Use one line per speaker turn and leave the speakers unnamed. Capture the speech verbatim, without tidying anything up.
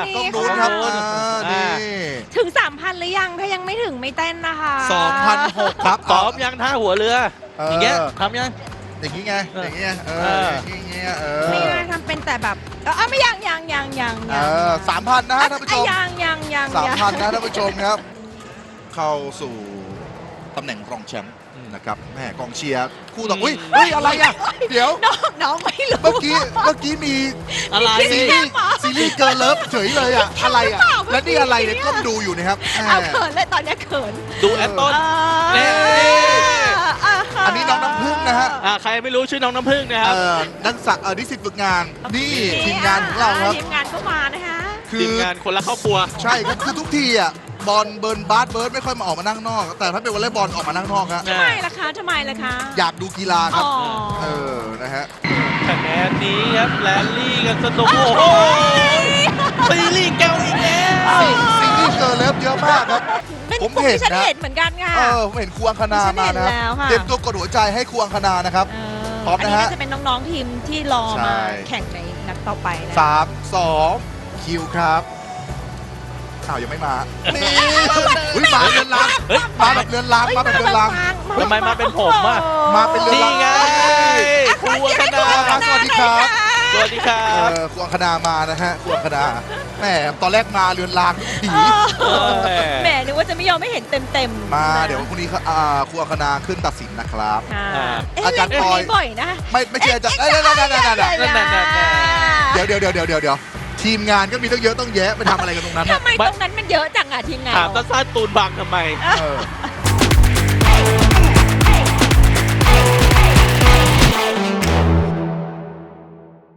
ต้องดูครับอ่านี่
ถึง สามพัน หรือยังถ้ายังไม่ถึงไม่เต้นนะคะ
สองพันหกครับ
ซ้อมยังท่าหัวเรือ
เออ
อย่างเงี้ยทำยัง
อย่างงี้ไงอย่างงี้ไงเอ
เอ
อ
อ
อย่างงี้เออ
ไม่ได้ทำเป็นแต่แบบเออไม่ยังยังยังยัง
เออสามพันนะฮะท่านผู้ชม
ยังยังยัง
สามพันนะท่านผู้ชมครับ เข้าสู่ตำแหน่งรองแชมป์นะครับแม่กองเชียร์คู่ต่ออุ้ยเฮ้ยอะไรอ่ะเดี๋ยว
น้องน้องไม่รู้
เมื่อกี้เมื่อกี้มี
อะไร
ซีรีส์ซีรีส์เกิร์ลเลิฟเฉยเลยอ่ะอะไรอ่ะและนี่อะไรเนี่ยก้มดูอยู่นะครับแม่
เอาเขินเลยตอนนี้เขิน
ดูแอตต้น
เอ
นี่
อ
อันนี้น้องน้ำพึ่งนะฮะ
อ่าใครไม่รู้ชื่อน้องน้ำพึ่งนะครับ
เอ่อนักศึกษาเออนิสิตฝึกงานนี่ทีมงานของเราครับ
ทีมงานก็มานะคะ
คื
ที
อ
มงานคนละครอบครัว
ใช่ครับคือทุกทีอ่ะบอลเบิร์นบาสเบิร์ดไม่ค่อยมาออกมานั่งนอก แต่ถ้าเป็นวอลเลย์บอลออกมานั่งนอกฮะ
อ่า
ทำไมล่ะคะทำไมล่ะคะ
อยากดูกีฬาครับ
อ๋อ
เออนะฮะ
คะแนนนี้ครับแรลลี่กันสนุกโอ้โหซีรีส์เกาอีกแล้ว
ซีรีส์เกิร์ลเลิฟเยอะมากครับ
เป็น
ผม
ผม
เห็น
ที่ฉัน
นะ
เห็นเหมือนกันค่ะ
เออผมเห็นครูอังคณามานะ
ฉันเห็นแล้วค่ะ
เตรียมตัวกดหัวใจให้ครูอังคณานะครับ
เอ
พร้อมนะฮะ
อันนี้ก็จะเป็นน้องๆทีมที่รอ
ใช่
มาแข่งในนัดต่อไปนะ
สามสองคิวครับอ้าวยังไม่มานี่อุ้ยมาเรือนราง
เฮ้ย
มาแบบเรือนรางมาแบบเรือนราง
ทำไมมาเป็นผมอะ
มาเป็นเรื
นี่ไงครูอังคณา
สวัสดีครับ
สวัสดีครั
เอบ อครูอังคณามานะฮะครูอังคณาแหมตอนแรกมาเรือนรางทุกที
เออแหมนึกว่าจะไม่ยอมไม่เห็นเต็มๆ
มา
นะ
เดี๋ยวพรุ่งนี้เขาอ่าครูอังคณาขึ้นตัดสินนะครับ
ค่ะ
อ่า
เอ๊ะ
อาจารย์
เล่น
ปอย
นี้บ่อยนะ
ไม่ไม่ใช่อาจารย์เอ้ยนั่นนั่นนั่นนั่นนั่น
นั่นนั่นนั่น
เดี๋ยวเดี๋ยวเดี๋ยวเดี๋ยวเดี๋ยวเดี๋ยวทีมงานก็มีต้องเยอะต้องแยะไปทำอะไรกันตรงนั้น
ทำไมตรงนั้นมันเยอะจังอะทีมงาน
ถามสั้นๆตูนบังทำไม
เออ